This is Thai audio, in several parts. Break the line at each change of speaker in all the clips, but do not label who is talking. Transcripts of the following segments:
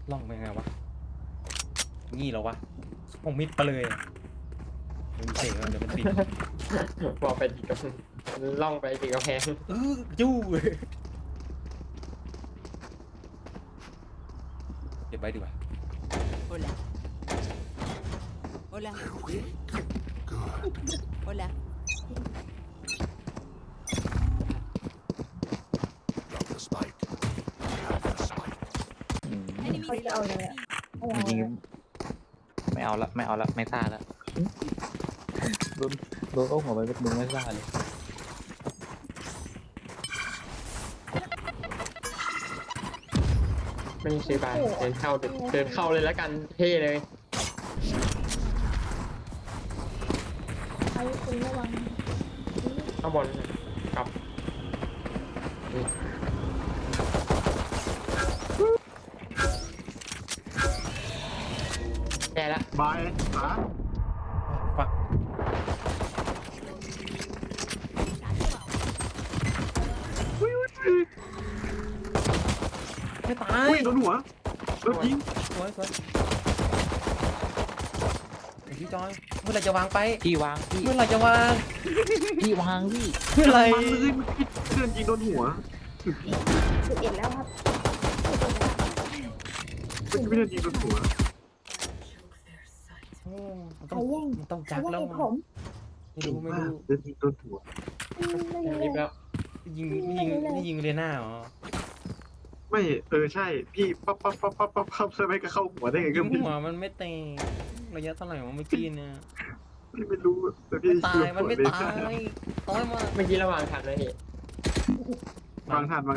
ล่องไปไงวะงี้เหรอวะผมมิดไปเลยมันเจ๋งเดี๋ยวมันติด
บอกไปทีกับล่องไปทีกระแพง
จู้เก็บไว้ดีกว่า
Hola. Hola. Hola.
Drop the spike. Have the spike.
เขาจะเอาเลยอะเอา
จริงๆไม่เอาละไม่ซ่าละโดนเอาหัวไปเป็นมึงไม่ซ่าเลย
ไม่ซื้อบานเดินเข้าเลยแล้วกันเท่เลย
ไอ้คุณระวัง
ข้างบนกับแย่ละ
บายขา
ฟักไม่ตาย
อุ้ยโดนหัวโดนยิง
สวยไอ้พี่จอยเมื่อไหรจะวางไป
พี่วางพี่
เมื่อไหรจะวาง
พี่วางพี่
เมื่อไหร
มันเลยมันเดินยิงโดนหัว
11แล้วครับ11แล้ว
มันไม่เดินยิงโดนหัว
โอ้มัน
ใค
ต้
ร
อง
แย่ง
มันต้อง
ใคร
จัก
แย่
แล้ว
งผม
ไม่รู้ไม่รู้
เดินยิงโดนหัว
ไม่
รี
รู้
บแล้ว
ยิงเรียน่าเหรอ
ไม่ใช่พี่ปั๊บใช่ไหมก็เข้าหัวได้ไง
ยิ
ก็
ง
พี่
หัวมันไม่เตะระยะเท่าไหร่วะเมื่อกี้เนี่ย
ไม่รู้แต่พี่
ตายมันไม่ตายต้อยมา
เมื่อกี้ระหว่างขันเลยพี่
วางทานได้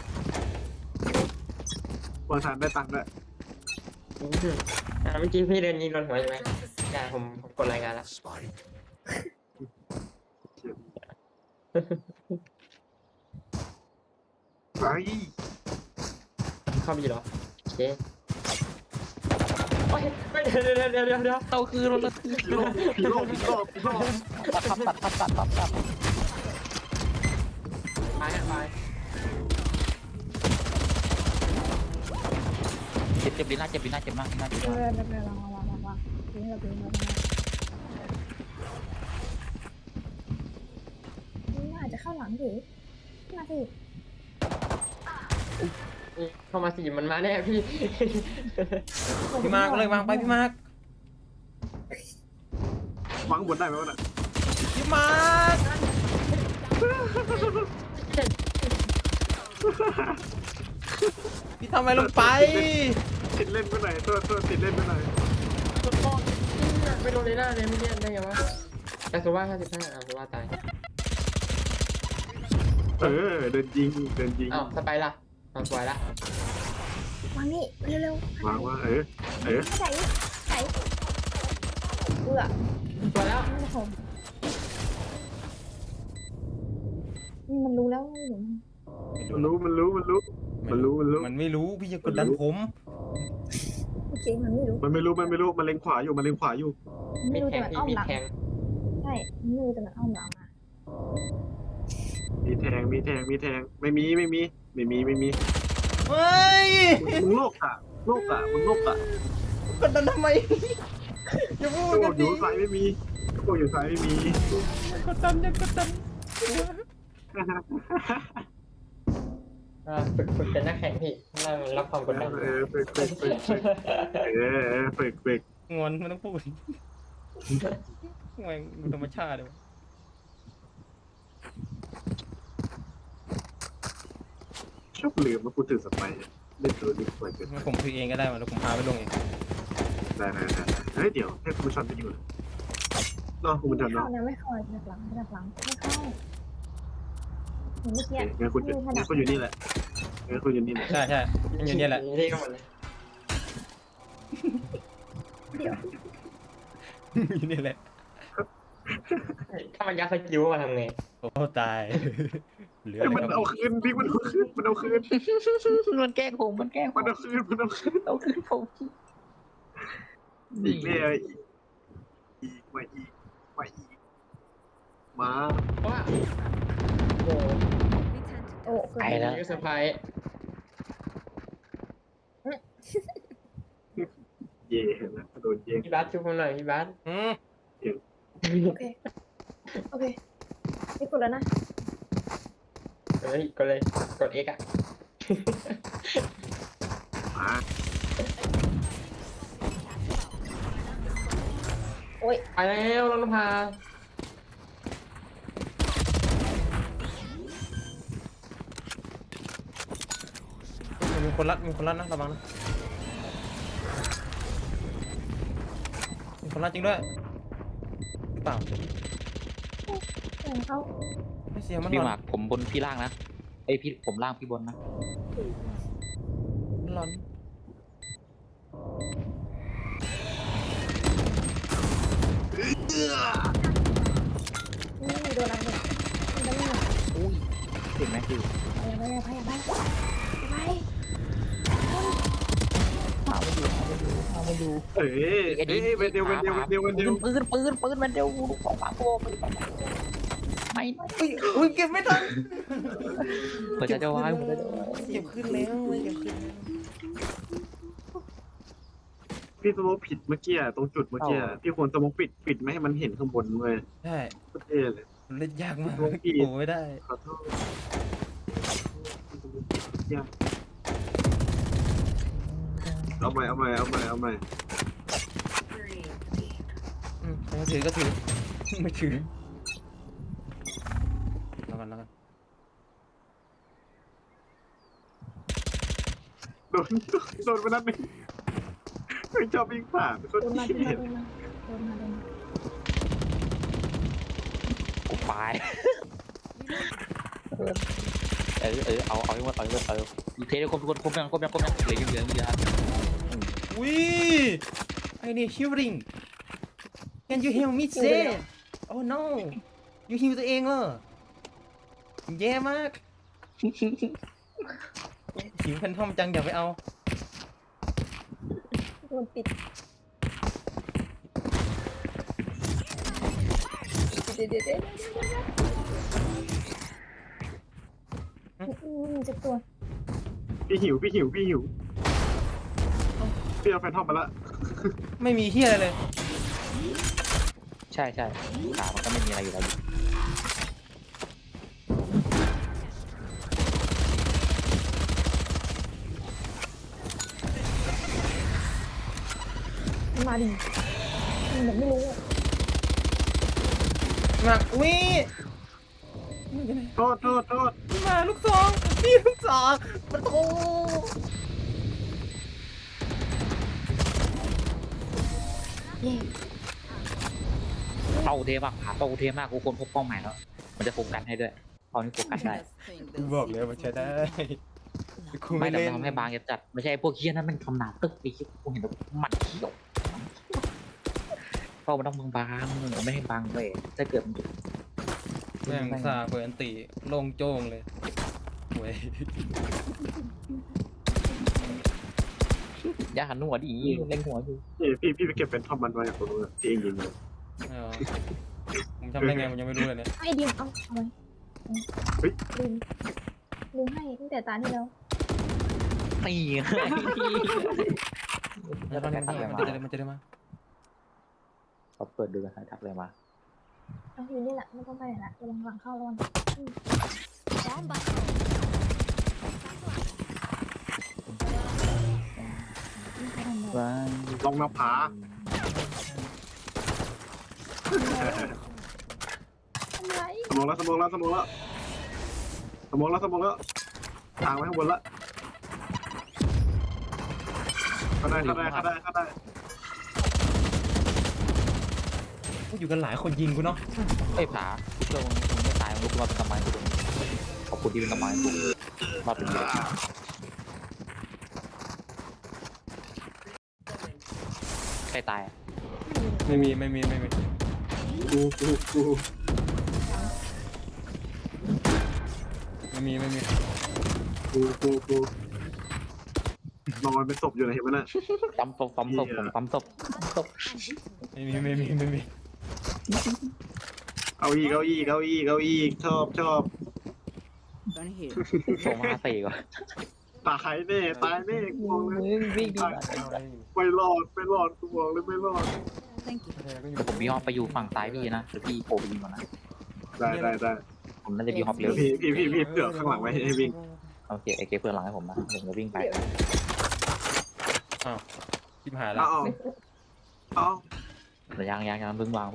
ตังค์ด้วย
เมื่อกี้พี่เดินยิงโดนหัวใช่ไหมได้ผมกดรายงานแล้ว
Spike.
ไอ้
เข้าบีเหรอโอเคโอ้ยไม่เดี๋ยว
เอาคืนแล้ว
พี่โลก
ตัด
ไป
เจ็บดีน่าเจ็บมาก
ระวังทิ้งระเบิดนี่อาจจะเข้าหลังถือมาสิ
เข้ามาสี่มันมาแน่พี่
พี่มาร์กเลยวางไปพี่มาร์ก
วางบนได้ไหมวะน่ะ
พี่มาร์กพี่ทำอะไรลงไป
ติดเล่นไปไหนตัวติดเล่นไปไหน
ไม่โดนเลยหน้าเลยไม่เรียนได้ไงวะแต่โซว่า55โซว่าตาย
เดินยิง
อ้าวสไปล่ะสวยละ
วางนี่เร็ว
วางว่า
ใส่เบื่อ
สวยแล้ว
ไม่ผมมันรู้แล้วหนู
มันรู้
มันไม่รู้พี่จะกดดันผม
โอเคมันไม่รู้
มันไม่รู้มันเล็งขวาอยู่
ไม่
มี
รู้
แท
แต่
ง
มันอ้อม
พี่มี
หลัง
แทง
ใช่ไม่รู้แต่มันอ้อมหลังมา
มีแทงไม่มี
เฮ้ย
มึงโลกอ่ะมึงโลกอ่ะ
กดดันทำไมอย่าพูด
โอ้
กัน
อ
ดิ
ยู่ซ้ายไม่มีโอ้อยู่ซ้ายไม่มี
กดดันอย่ากดดัน
ฝึกเป็นนักแข่งพี่นั่งรับความกดดัน
ฝึก
งอนไม่ต้องพูดแม่งดูธรรมชาติเลยวะ
ชอบลืมมาพูดถึงสไปเล่นตัวนี้บ่อยเกิน
งั้นผมคุยเองก็ได้มาแล้วผมพาไปลงเอง
ได้เฮ้ยเดี๋ยวให้คุณผู้ชมไปอยู่รอคุณผู้ชม
เข้า
เนาะ
นะไม่เข้าจากหลังไม่เข้าเหมือนเมื่อกี้
งั้นคุณอยู่นี่แหละงั้นคุณอยู่นี่แหละ
ใช่มันอยู่เนี่ยแหละ
นี่ก็หมดเลย
เดี๋ยว
อยู่เนี่ยแหละ
ถ้ามันยัดสกิลมาทำไง
โอ้ตายเหลืออะไร
มัน
ครับ
เอาคืนพี่มันเอาคืน
มันแกล้งผม
เอาคืน
เอาคืนผม
อีกเนี่ยอีกมา
ว่าโอ้
โอ้เกิน
ไปแล้ว
ยเซอร์ไพรส์
เย่เห็นไหมโดนเย่
พี่บาสช่วยผมหน่อยพี่บาส
อืม
โอเค โอเคนี่กดแล้วนะ
เฮ้ยกดเลยกด X อ่ะ
มา
โอ้ย
ไปแล้วน้องนภา
มีคนรัดนะระวังนะมีคนรัดจริงด้วยหรือเปล่า
เสียงเขา
ไม่เสียงมัน
พี่
หล
ห
อ
มาน กผมบนพี่ล่างนะไอยพี่ผมล่างพี่บนนะ
มันหลอน
นี่โดนอะไรเนี่ยมันจะไม่หนัก
อุ้ยเห็นไหมคือ
ไปไป
เอามาดูเอามาดู
เอ้ยเอ้ยเวนเดียวปืนมันเดียว
ปืนมันเดียวลูกสองสามตัวไม่
อุ้ยเก็บไม่ทัน
หัวใจจะวายหัวใจจะวาย
เก็บขึ้นแล้วเก็บขึ้นแล้ว
พี่สโมกผิดเมื่อกี้ตรงจุดเมื่อกี้พี่ควรสโมกปิดไม่ให้มันเห็นข้างบนเลย
ใช่
โคตรเท่เลย
มันเล่นยากมาก
ลงอีก
โอ้ไม่ได้
ขอโทษยากเอาใหม่
ถือก็ถือไม่ถือแล้วกัน
โดนไปนัดหนึ่งไม่ชอบวิ่งผ่านโคตร
โดนมา
เกลียด
กูไปเอาให้หมดเอาเทได้ครบทุกคนครบยังเหลือ
อุ้ยไอ้นี่ healing can you heal me say oh no you heal ตัวเองเหรอแย่มากหิวแพนทอมจังอย่าไปเอา
โดนปิดเดี๋ยวเจ็บตัว
พี่หิวพี่เอาแฟนทอมมาละ
ไม่มีเฮียอะไรเลย
ใช่ขามันก็ไม่มีอะไรอยู่แล้ว
มาดิมันแบบไม่รู้
มาอุ้ย
โทษ
มาลูกซองนี่ลูกซองประตู
เย่
เป้าเทมากขาเป้าเทมากกูคนพบเป้าหมายแล้วมันจะโฟกัสให้ด้วยเป้านี้โฟกัสได้
กูบอกเลยมันใช้ได้กู
ไม่
ไม่
แต่
เล่น
ทำให้บางจะจัดไม่ใช่พวกเคี้ยนั้นมันทำหนาตึกไอ้เคี้ยกูเห็นแล้วมันเขี้ยวเป้ามันต้องบางๆไม่ให้บางเลยถ้าเกิดมัน
แม่งซาเปิดอันติโล่งโจ้งเลยเว้ย
อย่าหันหัวดิเล่นหัวอยู่
พี่ไปเก็บแฟนทอมมันไว้กับตัวพี่เองยิงเลย
ไม่เอาผมทำได้ไงผมยังไม่รู้เลยเนี่ย
ไอ้ดิมเอาไว้ลืมให้ตั้งแต่ตาที่แล้ว
นี่
แล้วมันจะได้มา
เขาเปิดดูกันทักเลยมา
เอาอยู่นี่แหละไม่ต้องไปไหนละระวังหลังเข้าระวัง
ว้า
ลองมาผา
ทำไร
สมองแล้วทางไว้ข้างบนละเข้าได้
อยู่กันหลายคนยิงกูเนาะ
ไอ้ผาเชื่อมึงไม่ตายมึงลุกมาเป็นกำไม้กูดูขอบคุณที่เป็นกำไม้กูมาเป็นเยอะใครตาย
ไม่มี
กู
ไม่มี
นอนเป็นศพอยู่นะเห็นไหมน่ะ
ปั๊มศพปั๊มศพ
ไม่มี
เอาอีกชอบ
ส่งมา4ก่อน
ตายแน่ตายแน่กูบอกเลย
มึงวิ่งดี
เอาอะไร
ไม่รอดไม่รอดกูบอกเลยไม่รอด
Thank you.
แต่ผมมีฮอปไปอยู่ฝั่งซ้ายพี่นะหรือพี่โผล่ไปยิงก่อนนะ
ได้
ผมน่าจะมีฮอป
เดี๋
เร็
ยว วพี่เผื่อข้างหลังไว้ให้วิ่ง
โอเคไอเคเพื่อนหลังให้ผมนะผมจะวิ่งไป
เดี๋ยว
อ้าวชิบหายแล้
เอา
ว
เอา
แต่ยังเพิ่งวาง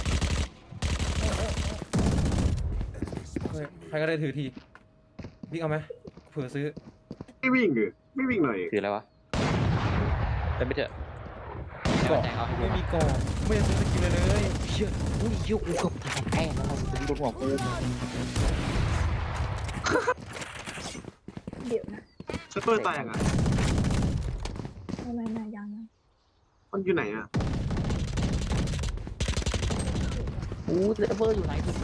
เฮ้ยใครก็ได้ถือทีพี่เอาไหมเผื่อซื้อ
ไม่วิ่งเหรอไม่วิ่งหน่อย
คืออะไรวะเป็นไปเถอะ
กรอบไม่มีกรอบไม่ได้ซื้อสกินเลย
เชื่ออุ้ยเชี่ยกูเกือบแพ้แล้วถึงโดนหัวกู
เดี๋ยวนะ
เซฟเฟอร์ตายยังอ่ะ
ไม่ยัง
มันอยู่ไหนอ่ะ
อู้เลเวอร์อยู่ไหนคุณดู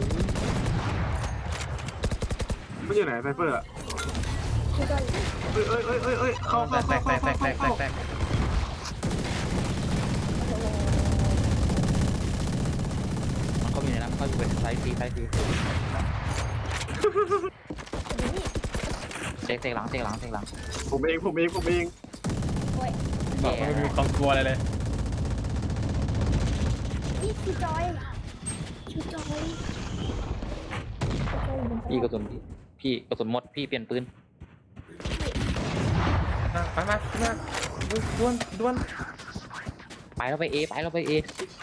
มันอยู่ไหนไซเฟอร์อ่ะ
พี่ก็อยู่
เอ้ยเข้า
แตกแตก
มันก็มีในนั้นมันก็อยู่เป็นไซส์ฟรีเตะหลัง
ผมเอง
บอกว่าไม่มีความกลัวอะไรเลย
นี่คือจอยอยู่บน
พี่กระสุนหมดพี่เปลี่ยนปืน
ไปมาด้วน
ไปแล้วไปเอไปวางไปเอ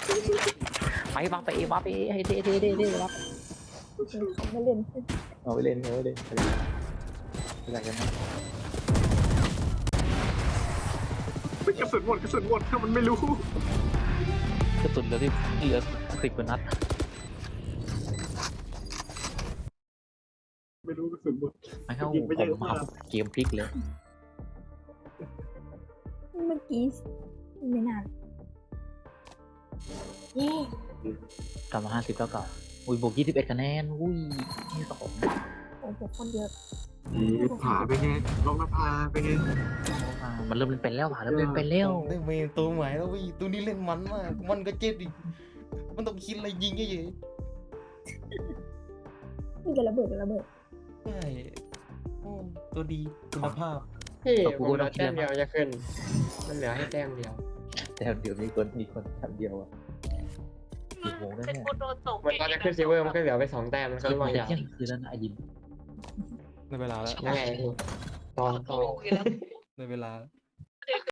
ให้เท่รับ
เขาไม่เล่น
เอาไปเล่นอะไรกันนะ
กระสุนหมดถ้ามันไม่รู้
กระสุนเหลือ10 กว่านัด
ไม่รู้กระสุนหมด
ไม่เข้า
ยิงไปเยอะ
ผม
มาก
เกมพลิกเลย
เมื่อกี้ไม่นานเย้
กลับมา50แล้วก็อุ้ยบวก21 คะแนนอุ้ยที่2
โอ้โหคนเยอะ
ผาไปไงลองน้ำพาไปไง
มันเริ่มเล่นเป็นแล้วเริ่มเล่นเป็นแล้ว
ได้เมนตัวใหม่แล้ววิตัวนี้เล่นมันมากมันก็เจ็บดิมันต้องคิดอะไรยิงเฉย
นี่จะระเบิด
ใช่ตัวดีคุณภาพ
พี่ผมเหลือแต้มเดียวจะขึ้น มันเหลือให้แต้มเดียว
แต่เดี๋ยวมีคนแถมเดียวอ่ะกี่โมงแล้วเนี่ย
มันตอนจะขึ้นซิลเวอร์มันก็เหลือไป2 แต้มมันก็
คือ
ล่ว
มาง
ยาว
เที่ยงคืนแล้วนะไอ้ยิม
ในเวลาแล้ว
ยังไงพี่ตอน
ในเวลา